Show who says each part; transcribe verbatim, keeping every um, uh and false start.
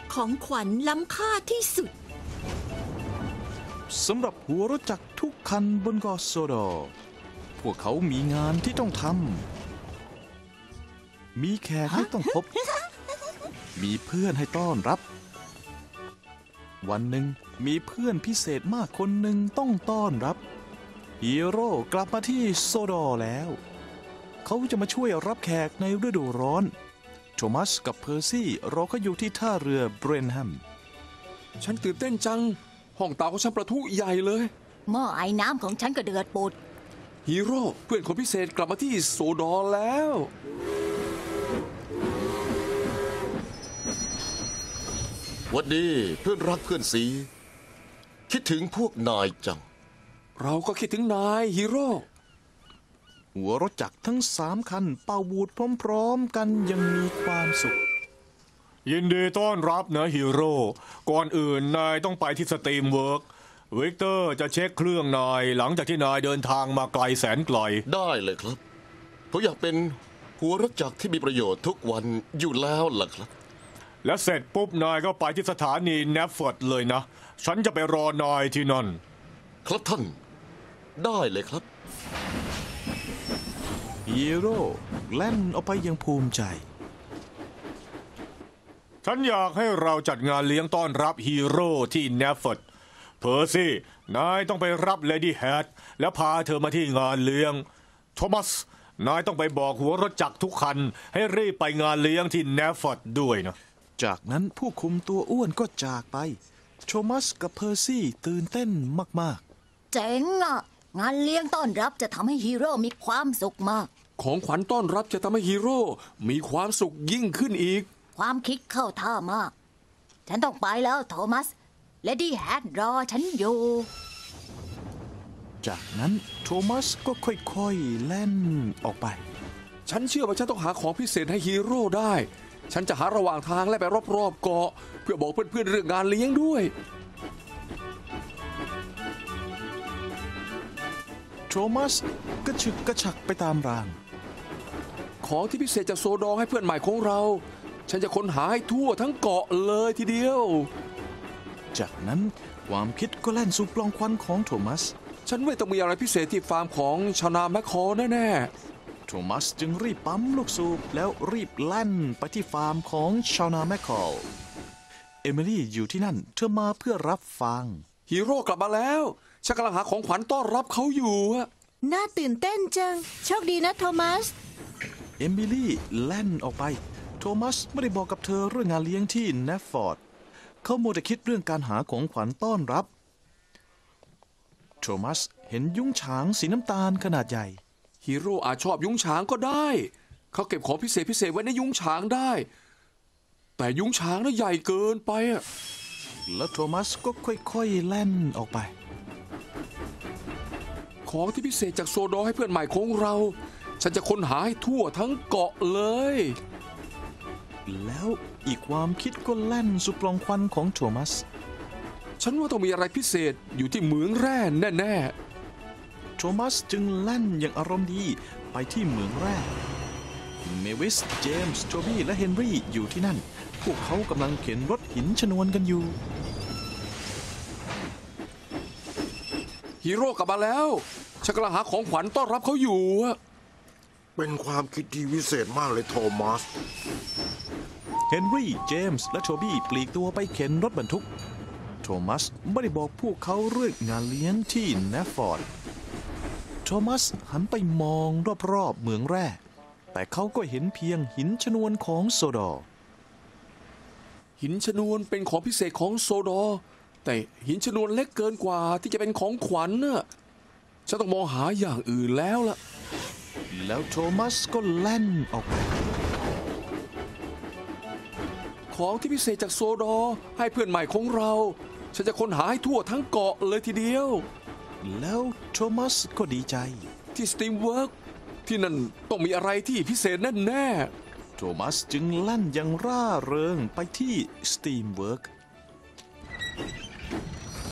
Speaker 1: ของขวัญล้ำค่าที่สุด
Speaker 2: สำหรับหัวรถจักรทุกคันบนเกาะโซดอพวกเขามีงานที่ต้องทำมีแขกให้ต้องพบมีเพื่อนให้ต้อนรับวันหนึ่งมีเพื่อนพิเศษมากคนหนึ่งต้องต้อนรับฮีโร่กลับมาที่โซดอแล้วเขาจะมาช่วยรับแขกในฤดูร้อนโทมัสกับเพอร์ซี่รอเขาอยู่ที่ท่าเรือเบรนแฮม
Speaker 3: ฉันตื่นเต้นจังห้องเตาของฉันประทุใหญ่เลย
Speaker 4: หม้อไอ้น้ำของฉันก็เดือดปุด
Speaker 3: ฮีโร่เพื่อนคนพิเศษกลับมาที่โซดอแล้ว
Speaker 5: หวัดดีเพื่อนรักเพื่อนสีคิดถึงพวกนายจัง
Speaker 3: เราก็คิดถึงนายฮีโร่
Speaker 2: หัวรถจักรทั้งสามคันเป่าบูดพร้อมๆกันยังมีความสุข
Speaker 6: ยินดีต้อนรับนะฮีโร่ก่อนอื่นนายต้องไปที่สตรีมเวิร์กวิกเตอร์จะเช็คเครื่องนายหลังจากที่นายเดินทางมาไกลแสนไกล
Speaker 5: ได้เลยครับผมอยากเป็นหัวรถจักรที่มีประโยชน์ทุกวันอยู่แล้วล่ะครับ
Speaker 6: และเสร็จปุ๊บนายก็ไปที่สถานีแนฟเฟิร์ดเลยนะฉันจะไปรอนายที่นั่น
Speaker 5: ครับท่านได้เลยครับ
Speaker 2: ฮีโร่แล่นออกไปอย่างภูมิใจ
Speaker 6: ฉันอยากให้เราจัดงานเลี้ยงต้อนรับฮีโร่ที่แนฟเฟิร์ดเพอร์ซี่นายต้องไปรับเลดี้แฮทและพาเธอมาที่งานเลี้ยงโทมัสนายต้องไปบอกหัวรถจักรทุกคันให้รีบไปงานเลี้ยงที่แนฟเฟิร์ดด้วยนะ
Speaker 2: จากนั้นผู้คุมตัวอ้วนก็จากไปโทมัสกับเพอร์ซี่ตื่นเต้นมาก
Speaker 4: ๆเจ๋งอ่ะงานเลี้ยงต้อนรับจะทำให้ฮีโร่มีความสุขมาก
Speaker 3: ของขวัญต้อนรับจะทำให้ฮีโร่มีความสุขยิ่งขึ้นอีก
Speaker 4: ความคิดเข้าท่ามากฉันต้องไปแล้วโทมัสเลดี้แฮทรอฉันอยู่
Speaker 2: จากนั้นโทมัสก็ค่อยๆแล่นออกไป
Speaker 3: ฉันเชื่อว่าฉันต้องหาของพิเศษให้ฮีโร่ได้ฉันจะหาระหว่างทางและไปรอบๆเกาะเพื่อบอกเพื่อนๆเรื่องงานเลี้ยงด้วย
Speaker 2: โทมัสกระฉึกกระฉักไปตามราง
Speaker 3: ของที่พิเศษจากโซดอให้เพื่อนใหม่ของเราฉันจะค้นหาให้ทั่วทั้งเกาะเลยทีเดียว
Speaker 2: จากนั้นความคิดก็แล่นสู่ปล่องควันของโทมัส
Speaker 3: ฉันว่าต้องมีอะไรพิเศษที่ฟาร์มของชาวนาแมคคอแน่
Speaker 2: ๆโทมัสจึงรีบปั๊มลูกสูบแล้วรีบแล่นไปที่ฟาร์มของชาวนาแมคคอเอมิลี่อยู่ที่นั่นเธอมาเพื่อรับฟัง
Speaker 3: ฮีโร่กลับมาแล้วฉันกำลังหาของขวัญต้อนรับเขาอยู่
Speaker 1: น่าตื่นเต้นจังโชคดีนะโทมัส
Speaker 2: เอมิลี่แล่นออกไปโทมัสไม่ได้บอกกับเธอเรื่องงานเลี้ยงที่แนฟฟอร์ดเขาโมแต่คิดเรื่องการหาของขวัญต้อนรับโทมัสเห็นยุ้งฉางสีน้ำตาลขนาดใหญ่
Speaker 3: ฮีโร่อาจชอบยุ้งฉางก็ได้เขาเก็บของพิเศษพิเศษไว้ในยุ้งฉางได้แต่ยุ้งฉางน่ะใหญ่เกินไปอะ
Speaker 2: แล้วโทมัสก็ค่อยๆแล่นออกไป
Speaker 3: ของที่พิเศษจากโซดอให้เพื่อนใหม่ของเราฉันจะค้นหาให้ทั่วทั้งเกาะเลย
Speaker 2: แล้วอีกความคิดก็แล่นสู่ปล่องควันของโทมัส
Speaker 3: ฉันว่าต้องมีอะไรพิเศษอยู่ที่เหมืองแร่แน่
Speaker 2: ๆโทมัสจึงแล่นอย่างอารมณ์ดีไปที่เหมืองแร่เมวิสเจมส์โจบี้และเฮนรี่อยู่ที่นั่นพวกเขากำลังเข็นรถหินชนวนกันอยู่
Speaker 3: ฮีโร่กลับมาแล้วฉันกำลังหาของขวัญต้อนรับเขาอยู่
Speaker 7: เป็นความคิดที่วิเศษมากเลยโทมัส
Speaker 2: เฮนรี่เจมส์และโทบี้ปลีกตัวไปเข็นรถบรรทุกโทมัสไม่ได้บอกพวกเขาเรื่องงานเลี้ยงที่แนฟฟอร์ดโทมัสหันไปมองรอบๆเหมืองแร่แต่เขาก็เห็นเพียงหินชนวนของโซดอ
Speaker 3: หินชนวนเป็นของพิเศษของโซดอแต่หินชนวนเล็กเกินกว่าที่จะเป็นของขวัญน่ะฉันต้องมองหาอย่างอื่นแล้วล่ะ
Speaker 2: แล้วโทมัสก็แล่นออกไป
Speaker 3: ของที่พิเศษจากโซดอให้เพื่อนใหม่ของเราฉันจะค้นหาให้ทั่วทั้งเกาะเลยทีเดียว
Speaker 2: แล้วโทมัสก็ดีใจ
Speaker 3: ที่สตรีมเวิร์กที่นั่นต้องมีอะไรที่พิเศษแน่
Speaker 2: ๆโทมัสจึงแล่นอย่างร่าเริงไปที่สตรีมเวิร์ก